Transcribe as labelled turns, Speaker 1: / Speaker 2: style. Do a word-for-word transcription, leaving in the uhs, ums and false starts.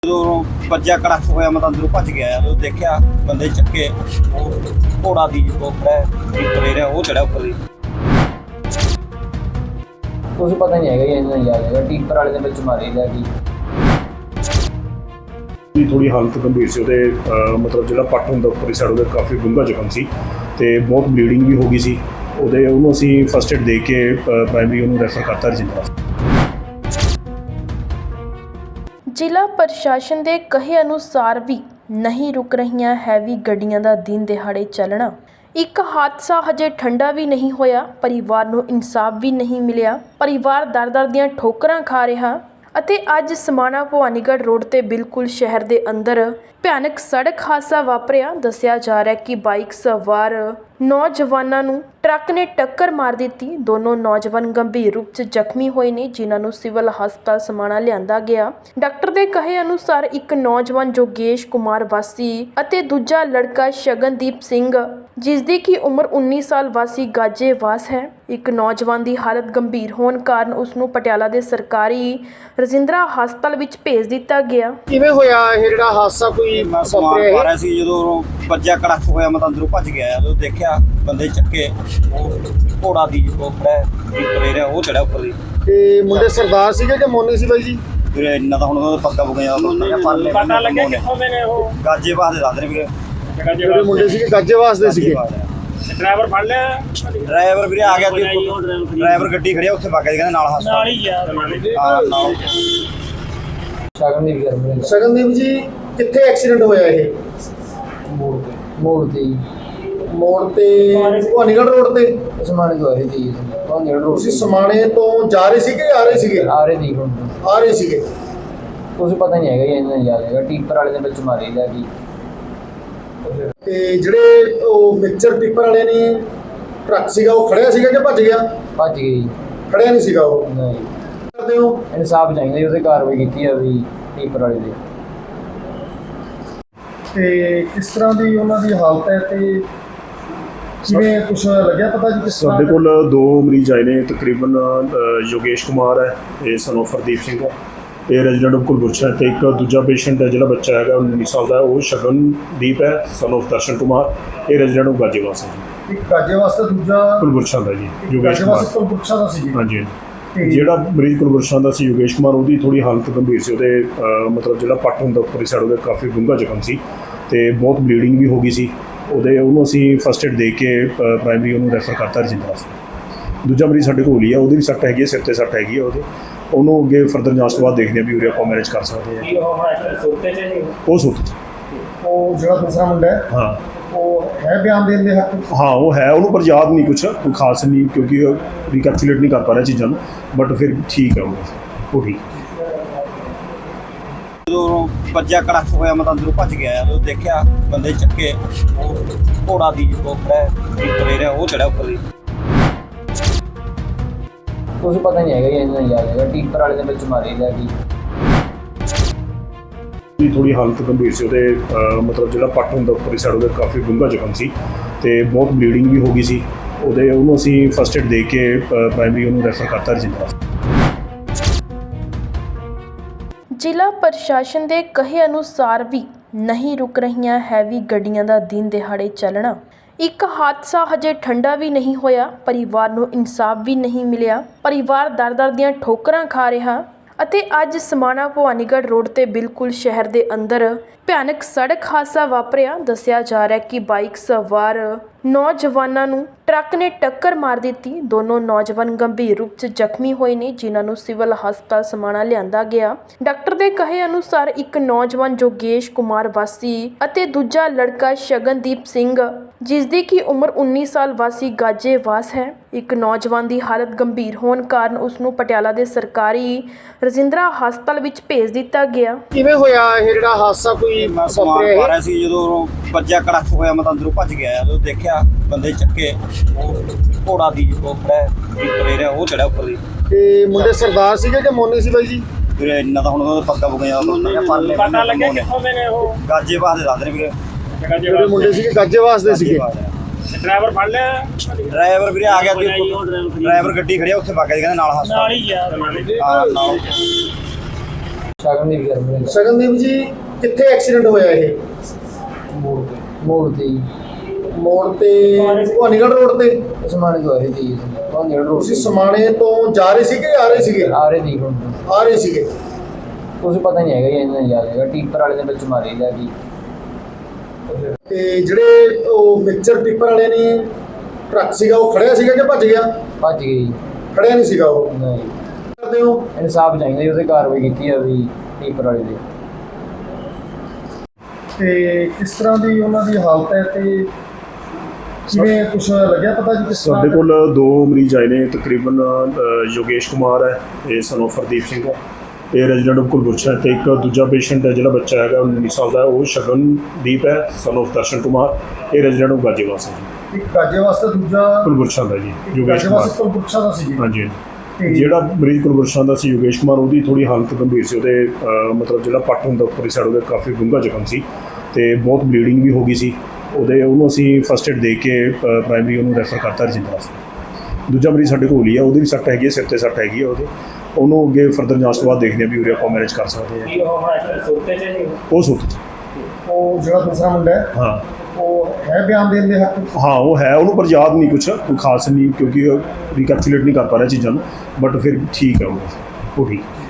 Speaker 1: ਜਦੋਂ ਵੱਜਿਆ ਕੜਕ ਹੋਇਆ ਮੈਂ ਤਾਂ ਅੰਦਰੋਂ ਭੱਜ ਗਿਆ ਜਦੋਂ ਦੇਖਿਆ ਬੰਦੇ ਚੱਕੇ ਘੋੜਾ ਦੀ ਜੋ ਖੜਾ ਉੱਪਰ ਰਿਹਾ ਉਹ ਚੜਿਆ ਉੱਪਰ ਦੀ
Speaker 2: ਕੁਝ ਪਤਾ ਨਹੀਂ ਹੈਗਾ ਇਹਨਾਂ ਨੂੰ ਯਾਦ ਹੈਗਾ ਟੀਪਰ ਵਾਲੇ ਦੇ ਵਿੱਚ ਮਾਰੇ ਲੈ ਗਈ
Speaker 3: ਦੀ ਥੋੜੀ ਹਾਲਤ ਗੰਭੀਰ ਸੀ ਉਹਦੇ ਮਤਲਬ ਜਿਹੜਾ ਪੱਟ ਹੁੰਦਾ ਉੱਪਰ ਸਾਈਡ ਉਹਦੇ ਕਾਫੀ ਡੂੰਘਾ ਜ਼ਖਮ ਸੀ ਤੇ ਬਹੁਤ ਬਲੀਡਿੰਗ ਵੀ ਹੋ ਗਈ ਸੀ ਉਹਦੇ ਉਹਨੂੰ ਅਸੀਂ ਫਸਟ ਏਡ ਦੇ ਕੇ ਪ੍ਰਾਇਮਰੀ ਉਹਨੂੰ ਰੈਫਰ ਕਰਤਾ ਰਜਿੰਦਰਾ।
Speaker 4: ਜ਼ਿਲ੍ਹਾ ਪ੍ਰਸ਼ਾਸਨ ਦੇ ਕਹੇ ਅਨੁਸਾਰ ਵੀ ਨਹੀਂ ਰੁਕ ਰਹੀਆਂ ਹੈਵੀ ਗੱਡੀਆਂ ਦਾ ਦਿਨ ਦਿਹਾੜੇ ਚੱਲਣਾ। ਇੱਕ ਹਾਦਸਾ ਹਜੇ ਠੰਡਾ ਵੀ ਨਹੀਂ ਹੋਇਆ, ਪਰਿਵਾਰ ਨੂੰ ਇਨਸਾਫ ਵੀ ਨਹੀਂ ਮਿਲਿਆ, ਪਰਿਵਾਰ ਦਰ-ਦਰ ਦੀਆਂ ਠੋਕਰਾਂ ਖਾ ਰਿਹਾ ਅਤੇ ਅੱਜ ਸਮਾਣਾ ਭਵਾਨੀਗੜ੍ਹ ਰੋਡ ਤੇ ਬਿਲਕੁਲ ਸ਼ਹਿਰ ਦੇ ਅੰਦਰ ਭਿਆਨਕ ਸੜਕ ਹਾਦਸਾ ਵਾਪਰਿਆ। ਦੱਸਿਆ ਜਾ ਰਿਹਾ ਕਿ ਬਾਈਕ ਸਵਾਰ ਨੌਜਵਾਨਾਂ ਨੂੰ ਟਰੱਕ ਨੇ ਟੱਕਰ ਮਾਰ ਦਿੱਤੀ। ਦੋਨੋਂ ਨੌਜਵਾਨ ਗੰਭੀਰ ਰੂਪ 'ਚ ਜ਼ਖਮੀ ਹੋਏ ਨੇ, ਜਿਨ੍ਹਾਂ ਨੂੰ ਸਿਵਲ ਹਸਪਤਾਲ ਸਮਾਣਾ ਲਿਆਂਦਾ ਗਿਆ। ਡਾਕਟਰ ਦੇ ਕਹੇ ਅਨੁਸਾਰ ਇੱਕ ਨੌਜਵਾਨ ਜੋਗੇਸ਼ ਕੁਮਾਰ ਵਾਸੀ ਅਤੇ ਦੂਜਾ ਲੜਕਾ ਸ਼ਗਨਦੀਪ ਸਿੰਘ ਜਿਸ ਦੀ ਕਿ ਉਮਰ ਉੱਨੀ ਸਾਲ ਵਾਸੀ ਗਾਜੇਵਾਸ ਹੈ। ਇੱਕ ਨੌਜਵਾਨ ਦੀ ਹਾਲਤ ਗੰਭੀਰ ਹੋਣ ਕਾਰਨ ਉਸ ਨੂੰ ਪਟਿਆਲਾ ਦੇ ਸਰਕਾਰੀ ਰਜਿੰਦਰਾ ਹਸਪਤਾਲ ਵਿੱਚ ਭੇਜ ਦਿੱਤਾ ਗਿਆ।
Speaker 5: ਕਿਵੇਂ ਹੋਇਆ ਇਹ ਜਿਹੜਾ ਹਾਦਸਾ ਕੋਈ
Speaker 1: ਮੈਂ ਸਮਾਨ ਪਾ ਰਿਹਾ ਸੀ ਜਦੋਂ ਵੱਜਿਆ ਕੜਕ ਹੋਇਆ ਮੈਂ ਤਾਂ ਅੰਦਰੋਂ ਭੱਜ ਗਿਆ ਜਦੋਂ ਦੇਖਿਆ ਬੰਦੇ ਚੱਕੇ ਘੋੜਾ ਦੀ ਜੋ ਖੜਾ ਉੱਪਰ ਰਿਹਾ ਉਹ ਚੜਿਆ ਉੱਪਰ ਦੀ
Speaker 5: ਤੇ ਮੁੰਡੇ ਸਰਦਾਰ ਸੀਗੇ ਕਿ ਮੋਨੀ ਸੀ ਬਾਈ ਜੀ?
Speaker 1: ਫਿਰ ਇੰਨਾ ਤਾਂ ਹੁਣ ਉਹਦਾ ਪੱਕਾ ਪੁੱਗਾ ਜਾਂਦਾ
Speaker 6: ਪਤਾ ਲੱਗਿਆ ਕਿੱਥੋਂ ਦੇ ਨੇ ਉਹ
Speaker 1: ਗਾਜੇ ਬਾਦ ਦੇ ਦੱਸਦੇ ਵੀਰੇ
Speaker 5: ਜਿਹੜੇ ਮੁੰਡੇ ਸੀਗੇ ਗਾਜੇਵਾਸ ਦੇ ਸੀਗੇ।
Speaker 6: ਡਰਾਈਵਰ ਫੜ ਲਿਆ
Speaker 1: ਡਰਾਈਵਰ ਵੀਰੇ ਆ ਗਿਆ ਡਰਾਈਵਰ ਗੱਡੀ ਖੜਿਆ ਉੱਥੇ ਵਗ ਗਿਆ ਕਹਿੰਦੇ ਨਾਲ ਹਸਪਤਾਲ
Speaker 6: ਨਾਲ ਹੀ ਗਿਆ
Speaker 1: ਹਾਂ ਨਾਲ
Speaker 2: ਸ਼ਗਨਦੀਪ ਗਰਮੀ
Speaker 5: ਸ਼ਗਨਦੀਪ ਜੀ ਕਿੱਥੇ ਐਕਸੀਡੈਂਟ ਹੋਇਆ ਇਹ?
Speaker 2: ਮੋੜ ਤੇ ਮੋੜ ਤੇ ਹੀ।
Speaker 5: ਮੋੜ ਤੇ ਭਵਾਨੀਗੜ੍ਹ ਰੋਡ ਤੇ
Speaker 2: ਸਮਾਣੇ ਤੋਂ ਆ ਰਹੀ ਸੀ ਤੁਹਾਨੂੰ ਰੋਡ
Speaker 5: ਤੁਸੀਂ ਸਮਾਣੇ ਤੋਂ ਜਾ ਰਹੇ ਸੀਗੇ ਆ ਰਹੇ ਸੀਗੇ?
Speaker 2: ਆ ਰਹੇ ਸੀ ਹੁਣ
Speaker 5: ਆ ਰਹੇ ਸੀਗੇ।
Speaker 2: ਕੁਝ ਪਤਾ ਨਹੀਂ ਹੈਗਾ ਇਹਨਾਂ ਨੂੰ ਯਾਦ ਹੈਗਾ ਟੀਪਰ ਵਾਲੇ ਦੇ ਵਿੱਚ ਮਾਰੇ ਲੈ ਗਈ
Speaker 5: ਤੇ ਜਿਹੜੇ ਉਹ ਮਿਕਸਚਰ ਟਿੱਪਰ ਵਾਲੇ ਨੇ ਟਰੱਕ ਸੀਗਾ ਉਹ ਖੜਿਆ ਸੀਗਾ ਕਿ ਭੱਜ ਗਿਆ?
Speaker 2: ਭੱਜ ਗਈ।
Speaker 5: ਖੜਿਆ ਨਹੀਂ ਸੀਗਾ ਉਹ।
Speaker 2: ਨਹੀਂ
Speaker 5: ਕਰਦੇ ਹੋ
Speaker 2: ਇਨਸਾਫ ਚਾਹੀਦਾ ਜੀ, ਉਹਦੇ ਕਾਰਵਾਈ ਕੀਤੀ ਆ ਵੀ ਟੀਪਰ ਵਾਲੇ ਦੇ।
Speaker 5: ਤੇ ਕਿਸ ਤਰ੍ਹਾਂ ਦੀ ਉਹਨਾਂ ਦੀ ਹਾਲਤ ਹੈ ਤੇ ਕਿਵੇਂ ਕੁਛ ਲੱਗਿਆ ਪਤਾ ਜੀ ਕਿਸ ਤਰ੍ਹਾਂ?
Speaker 3: ਸਾਡੇ ਕੋਲ ਦੋ ਮਰੀਜ਼ ਆਏ ਨੇ ਤਕਰੀਬਨ ਯੋਗੇਸ਼ ਕੁਮਾਰ ਹੈ ਇਹ ਸਨ ਆਫ ਹਰਦੀਪ ਸਿੰਘ ਹੈ ਇਹ ਰੈਜ਼ੀਡੈਂਟ ਆਫ ਕੁਲਬੁਰਸ਼ ਹੈ ਤੇ ਇੱਕ ਦੂਜਾ ਪੇਸ਼ੈਂਟ ਹੈ ਜਿਹੜਾ ਬੱਚਾ ਹੈਗਾ ਉੱਨੀ ਸਾਲ ਦਾ ਉਹ ਸ਼ਗਨਦੀਪ ਹੈ ਸਨ ਆਫ ਦਰਸ਼ਨ ਕੁਮਾਰ ਇਹ ਰੈਜ਼ੀਡੈਂਟ ਆਫ ਗਾਜੇਵਾਸ ਹੈ ਜੀ।
Speaker 5: ਇੱਕ ਗਾਜੇਵਾਸ ਦਾ ਦੂਜਾ
Speaker 3: ਕੁਲਬੁਰਸ਼ਾਂ ਦਾ ਜੀ ਯੋਗੇਸ਼ ਕੁਮਾਰ।
Speaker 5: ਕੁਲਬੁਰਸ਼ਾਂ ਦਾ ਸੀ ਜੀ।
Speaker 3: ਹਾਂਜੀ ਜਿਹੜਾ ਮਰੀਜ਼ ਕੁਲਬੁਰਸ਼ਾਂ ਦਾ ਸੀ ਯੋਗੇਸ਼ ਕੁਮਾਰ ਉਹਦੀ ਥੋੜੀ ਹਾਲਤ ਗੰਭੀਰ ਸੀ ਉਹਦੇ ਮਤਲਬ ਜਿਹੜਾ ਪੱਟ ਹੁੰਦਾ ਉੱਪਰ ਸਾਈਡ ਉਹਦੇ ਕਾਫੀ ਡੂੰਘਾ ਜ਼ਖਮ ਸੀ ਤੇ ਬਹੁਤ ਬਲੀਡਿੰਗ ਵੀ ਹੋ ਗਈ ਸੀ ਉਹਦੇ ਉਹਨੂੰ ਅਸੀਂ ਫਸਟ ਏਡ ਦੇ ਕੇ ਪ੍ਰਾਇਮਰੀ ਉਹਨੂੰ ਰੈਫਰ ਕਰਤਾ ਰਜਿੰਦਰਾ। ਦੂਜਾ ਮਰੀਜ਼ ਸਾਡੇ ਕੋਲ ਹੀ ਆ ਉਹਦੀ ਵੀ ਸੱਟ ਹੈਗੀ ਹੈ ਸਿਰ ਤੇ ਸੱਟ ਹੈਗੀ ਹੈ ਉਹਦੇ ਉਹਨੂੰ ਅੱਗੇ ਫਰਦਰ ਜਾਂਚ ਤੋਂ ਬਾਅਦ ਦੇਖਦੇ ਆ ਵੀ ਉਰੇ ਆਪਾਂ ਮੈਨੇਜ ਕਰ ਸਕਦੇ ਹਾਂ। ਉਹ ਸੁੱਤ
Speaker 5: ਉਹ ਜਿਹੜਾ ਦੂਸਰਾ ਮੁੰਡਾ ਹੈ
Speaker 3: ਹਾਂ
Speaker 5: ਉਹ ਹੈ ਬਿਆਨ ਦੇਣ ਦੇ ਹੱਕ?
Speaker 3: ਹਾਂ ਉਹ ਹੈ ਉਹਨੂੰ ਪਰ ਯਾਦ ਨਹੀਂ ਕੁਛ ਕੋਈ ਖਾਸ ਨਹੀਂ ਕਿਉਂਕਿ ਰਿਕੈਪਚੁਲੇਟ ਨਹੀਂ ਕਰ ਪਾ ਰਿਹਾ ਚੀਜ਼ਾਂ ਨੂੰ ਬਟ ਫਿਰ ਠੀਕ ਹੈ ਉਹ ਉਹ ਠੀਕ।
Speaker 1: ਜਦੋਂ ਵੱਜਿਆ ਕੜਕ ਹੋਇਆ ਮੈਂ ਤਾਂ ਅੰਦਰੋਂ ਭੱਜ ਗਿਆ ਜਦੋਂ ਦੇਖਿਆ ਬੰਦੇ ਚੱਕੇ ਘੋੜਾ ਦੀ ਜੋ ਖੜਾ ਉੱਪਰ ਰਿਹਾ ਉਹ ਚੜਿਆ ਉੱਪਰ ਦੀ
Speaker 2: ਕੁਝ ਪਤਾ ਨਹੀਂ ਹੈਗਾ ਇਹਨਾਂ ਨੂੰ ਯਾਦ ਹੈਗਾ ਟੀਪਰ ਵਾਲੇ ਦੇ ਵਿੱਚ ਮਾਰੇ ਲੈ ਗਈ
Speaker 3: ਦੀ ਥੋੜੀ ਹਾਲਤ ਗੰਭੀਰ ਸੀ ਉਹਦੇ ਮਤਲਬ ਜਿਹੜਾ ਪੱਟ ਹੁੰਦਾ ਉੱਪਰ ਸਾਈਡ ਉਹਦੇ ਕਾਫੀ ਡੂੰਘਾ ਜ਼ਖਮ ਸੀ ਤੇ ਬਹੁਤ ਬਲੀਡਿੰਗ ਵੀ ਹੋ ਗਈ ਸੀ ਉਹਦੇ ਉਹਨੂੰ ਅਸੀਂ ਫਸਟ ਏਡ ਦੇ ਕੇ ਪ੍ਰਾਇਮਰੀ ਉਹਨੂੰ ਰੈਫਰ ਕਰਤਾ ਰਜਿੰਦਰਾ।
Speaker 4: ਜ਼ਿਲ੍ਹਾ ਪ੍ਰਸ਼ਾਸਨ ਦੇ ਕਹੇ ਅਨੁਸਾਰ ਵੀ ਨਹੀਂ ਰੁਕ ਰਹੀਆਂ ਹੈਵੀ ਗੱਡੀਆਂ ਦਾ ਦਿਨ ਦਿਹਾੜੇ ਚੱਲਣਾ। ਇੱਕ ਹਾਦਸਾ ਹਜੇ ਠੰਡਾ ਵੀ ਨਹੀਂ ਹੋਇਆ, ਪਰਿਵਾਰ ਨੂੰ ਇਨਸਾਫ ਵੀ ਨਹੀਂ ਮਿਲਿਆ, ਪਰਿਵਾਰ ਦਰ-ਦਰ ਦੀਆਂ ਠੋਕਰਾਂ ਖਾ ਰਿਹਾ ਅਤੇ ਅੱਜ ਸਮਾਣਾ ਭਵਾਨੀਗੜ੍ਹ ਰੋਡ ਤੇ ਬਿਲਕੁਲ ਸ਼ਹਿਰ ਦੇ ਅੰਦਰ ਭਿਆਨਕ ਸੜਕ ਹਾਦਸਾ ਵਾਪਰਿਆ। ਦੱਸਿਆ ਜਾ ਰਿਹਾ ਕਿ ਬਾਈਕ ਸਵਾਰ ਨੌਜਵਾਨਾਂ ਨੂੰ ਟਰੱਕ ਨੇ ਟੱਕਰ ਮਾਰ ਦਿੱਤੀ। ਦੋਨੋਂ ਨੌਜਵਾਨ ਗੰਭੀਰ ਰੂਪ 'ਚ ਜ਼ਖਮੀ ਹੋਏ ਨੇ, ਜਿਨ੍ਹਾਂ ਨੂੰ ਸਿਵਲ ਹਸਪਤਾਲ ਸਮਾਣਾ ਲਿਆਂਦਾ ਗਿਆ। ਡਾਕਟਰ ਦੇ ਕਹੇ ਅਨੁਸਾਰ ਇੱਕ ਨੌਜਵਾਨ ਜੋਗੇਸ਼ ਕੁਮਾਰ ਵਾਸੀ ਅਤੇ ਦੂਜਾ ਲੜਕਾ ਸ਼ਗਨਦੀਪ ਸਿੰਘ ਜਿਸ ਦੀ ਕਿ ਉਮਰ ਉੱਨੀ ਸਾਲ ਵਾਸੀ ਗਾਜੇਵਾਸ ਹੈ। ਇੱਕ ਨੌਜਵਾਨ ਦੀ ਹਾਲਤ ਗੰਭੀਰ ਹੋਣ ਕਾਰਨ ਉਸ ਨੂੰ ਪਟਿਆਲਾ ਦੇ ਸਰਕਾਰੀ ਰਜਿੰਦਰਾ ਹਸਪਤਾਲ ਵਿੱਚ ਭੇਜ ਦਿੱਤਾ ਗਿਆ।
Speaker 5: ਕਿਵੇਂ ਹੋਇਆ ਇਹ ਜਿਹੜਾ ਹਾਦਸਾ ਕੋਈ
Speaker 1: ਮੈਂ ਸਮਾਨ ਪਾ ਰਿਹਾ ਸੀ ਜਦੋਂ ਵੱਜਿਆ ਕੜਕ ਹੋਇਆ ਮੈਂ ਤਾਂ ਅੰਦਰੋਂ ਭੱਜ ਗਿਆ ਜਦੋਂ ਦੇਖਿਆ ਬੰਦੇ ਚੱਕੇ ਘੋੜਾ ਦੀ ਜੋ ਖੜਾ ਉੱਪਰ ਰਿਹਾ ਉਹ ਚੜਿਆ ਉੱਪਰ ਦੀ
Speaker 5: ਤੇ ਮੁੰਡੇ ਸਰਦਾਰ ਸੀਗੇ ਕਿ ਮੋਨੀ ਸੀ ਬਾਈ ਜੀ?
Speaker 1: ਫਿਰ ਇੰਨਾ ਤਾਂ ਹੁਣ ਉਹਦਾ ਪੱਕਾ ਪੁੱਗਾ ਜਾਂਦਾ
Speaker 6: ਪਤਾ ਲੱਗਿਆ ਕਿੱਥੋਂ ਦੇ ਨੇ ਉਹ
Speaker 1: ਗਾਜੇ ਬਾਦ ਦੇ ਦੱਸਦੇ ਵੀਰੇ
Speaker 5: ਜਿਹੜੇ ਮੁੰਡੇ ਸੀਗੇ ਗਾਜੇਵਾਸ ਦੇ ਸੀਗੇ।
Speaker 6: ਡਰਾਈਵਰ ਫੜ ਲਿਆ
Speaker 1: ਡਰਾਈਵਰ ਵੀਰੇ ਆ ਗਿਆ ਡਰਾਈਵਰ ਗੱਡੀ ਖੜਿਆ ਉੱਥੇ ਵਗ ਗਿਆ ਕਹਿੰਦੇ ਨਾਲ ਹਸਪਤਾਲ
Speaker 6: ਨਾਲ ਹੀ ਗਿਆ
Speaker 1: ਹਾਂ ਨਾਲ
Speaker 2: ਸ਼ਗਨਦੀਪ ਗਰਮ
Speaker 5: ਸ਼ਗਨਦੀਪ ਜੀ ਕਿੱਥੇ ਐਕਸੀਡੈਂਟ ਹੋਇਆ ਇਹ?
Speaker 2: ਮੋੜ ਤੇ ਮੋੜ ਤੇ ਜੀ।
Speaker 5: ਮੋੜ ਤੇ ਭਵਾਨੀਗੜ੍ਹ ਰੋਡ ਤੇ।
Speaker 2: ਸਮਾਣੇ ਤੋਂ ਆ ਰਹੀ ਸੀ ਉਹ ਨੇੜ ਰੋਡ
Speaker 5: ਤੁਸੀਂ ਸਮਾਣੇ ਤੋਂ ਜਾ ਰਹੇ ਸੀਗੇ ਆ ਰਹੇ ਸੀਗੇ?
Speaker 2: ਆ ਰਹੇ ਸੀ ਹੁਣ
Speaker 5: ਆ ਰਹੇ ਸੀਗੇ।
Speaker 2: ਕੁਝ ਪਤਾ ਨਹੀਂ ਹੈਗਾ ਜੀ, ਇਹਨਾਂ ਯਾਦ ਹੈਗਾ ਟੀਪਰ ਵਾਲੇ ਦੇ ਵਿੱਚ ਮਾਰੀ ਲੈ ਗਈ।
Speaker 5: ਤੇ ਜਿਹੜੇ ਉਹ ਮਿਕਸਚਰ ਟਿੱਪਰ ਵਾਲੇ ਨੇ ਟਰੱਕ ਸੀਗਾ ਉਹ ਖੜਿਆ ਸੀਗਾ ਕਿ ਭੱਜ ਗਿਆ?
Speaker 2: ਭੱਜ ਗਈ।
Speaker 5: ਖੜਿਆ ਨਹੀਂ ਸੀਗਾ ਉਹ।
Speaker 2: ਨਹੀਂ
Speaker 5: ਕਰਦੇ ਹੋ
Speaker 2: ਇਨਸਾਫ ਚਾਹੀਦਾ ਜੀ, ਉਹਦੇ ਕਾਰਵਾਈ ਕੀਤੀ ਆ ਵੀ ਟੀਪਰ ਵਾਲੇ ਦੇ।
Speaker 5: ਤੇ ਕਿਸ ਤਰ੍ਹਾਂ ਦੀ ਉਹਨਾਂ ਦੀ ਹਾਲਤ ਹੈ ਤੇ ਕਿਵੇਂ ਕੁਛ ਲੱਗਿਆ ਪਤਾ ਜੀ ਕਿਸ ਤਰ੍ਹਾਂ?
Speaker 3: ਸਾਡੇ ਕੋਲ ਦੋ ਮਰੀਜ਼ ਆਏ ਨੇ, ਤਕਰੀਬਨ ਅ, ਯੋਗੇਸ਼ ਕੁਮਾਰ ਹੈ, ਇਹ ਸਨ ਆਫ ਹਰਦੀਪ ਸਿੰਘ ਹੈ, ਇਹ ਰੈਜ਼ੀਡੈਂਟ ਆਫ ਕੁਲਬੁਰਸ਼ਾ ਹੈ, ਤੇ ਇੱਕ ਦੂਜਾ ਪੇਸ਼ੈਂਟ ਹੈ ਜਿਹੜਾ ਬੱਚਾ ਹੈਗਾ ਉੱਨੀ ਸਾਲ ਦਾ, ਉਹ ਸ਼ਗਨਦੀਪ ਹੈ, ਸਨ ਆਫ ਦਰਸ਼ਨ ਕੁਮਾਰ, ਇਹ ਰੈਜ਼ੀਡੈਂਟ ਆਫ ਗਾਜੀਵਾਸ ਹੈ ਜੀ,
Speaker 5: ਇੱਕ ਗਾਜੇ ਵਾਸਤੇ, ਦੂਜਾ
Speaker 3: ਕੁਲਬੁਰਸ਼ਾ ਦਾ ਜੀ, ਯੋਗੇਸ਼
Speaker 5: ਗਾਜੇ
Speaker 3: ਕੁਮਾਰ।
Speaker 5: ਵਾਸਤੇ ਕੁਲਪੁਰਸ਼ਾ ਦਾ ਸੀ ਜੀ।
Speaker 3: ਹਾਂਜੀ
Speaker 5: ਤੇ
Speaker 3: ਜਿਹੜਾ ਮਰੀਜ਼ ਕੁਲਬੁਰਸ਼ਾ ਦਾ ਸੀ ਯੋਗੇਸ਼ ਕੁਮਾਰ, ਉਹਦੀ ਥੋੜੀ ਹਾਲਤ ਗੰਭੀਰ ਸੀ, ਉਹਦੇ ਅ, ਮਤਲਬ ਜਿਹੜਾ ਪੱਟ ਹੁੰਦਾ ਉੱਪਰਲੀ ਸਾਈਡ ਉਹਦੇ ਕਾਫੀ ਡੂੰਘਾ ਜ਼ਖਮ ਸੀ ਤੇ ਬਹੁਤ ਬਲੀਡਿੰਗ ਵੀ ਹੋ ਗਈ ਸੀ ਉਹਦੇ। ਉਹਨੂੰ ਅਸੀਂ ਫਸਟ ਏਡ ਦੇ ਕੇ ਪ੍ਰਾਇਮਰੀ ਉਹਨੂੰ ਰੈਫਰ ਕਰਤਾ ਰਜਿੰਦਰਾ ਵਾਸਤੇ। ਦੂਜਾ ਮਰੀਜ਼ ਸਾਡੇ ਕੋਲ ਹੀ ਆ, ਉਹਦੀ ਵੀ ਸੱਟ ਹੈਗੀ ਹੈ, ਸਿਰ 'ਤੇ ਸੱਟ ਹੈਗੀ ਹੈ ਉਹਦੇ, ਉਹਨੂੰ ਅੱਗੇ ਫਰਦਰ ਜਾਂਚ ਤੋਂ ਬਾਅਦ ਦੇਖਦੇ ਹਾਂ ਵੀ ਉਰੇ ਆਪਾਂ ਮੈਨੇਜ ਕਰ ਸਕਦੇ ਹਾਂ। ਉਹ ਸੁੱਤ
Speaker 5: ਉਹ ਜਿਹੜਾ ਦੂਸਰਾ ਮੁੰਡਾ ਹੈ
Speaker 3: ਹਾਂ
Speaker 5: ਉਹ ਹੈ ਬਿਆਨ ਦੇਣ ਦੇ ਹੱਕ?
Speaker 3: ਹਾਂ ਉਹ ਹੈ, ਉਹਨੂੰ ਪਰ ਯਾਦ ਨਹੀਂ ਕੁਛ ਕੋਈ ਖਾਸ ਨਹੀਂ, ਕਿਉਂਕਿ ਰਿਕੈਪਚੁਲੇਟ ਨਹੀਂ ਕਰ ਪਾ ਰਿਹਾ ਚੀਜ਼ਾਂ ਨੂੰ, ਬਟ ਫਿਰ ਠੀਕ ਹੈ ਉਹ ਉਹ ਠੀਕ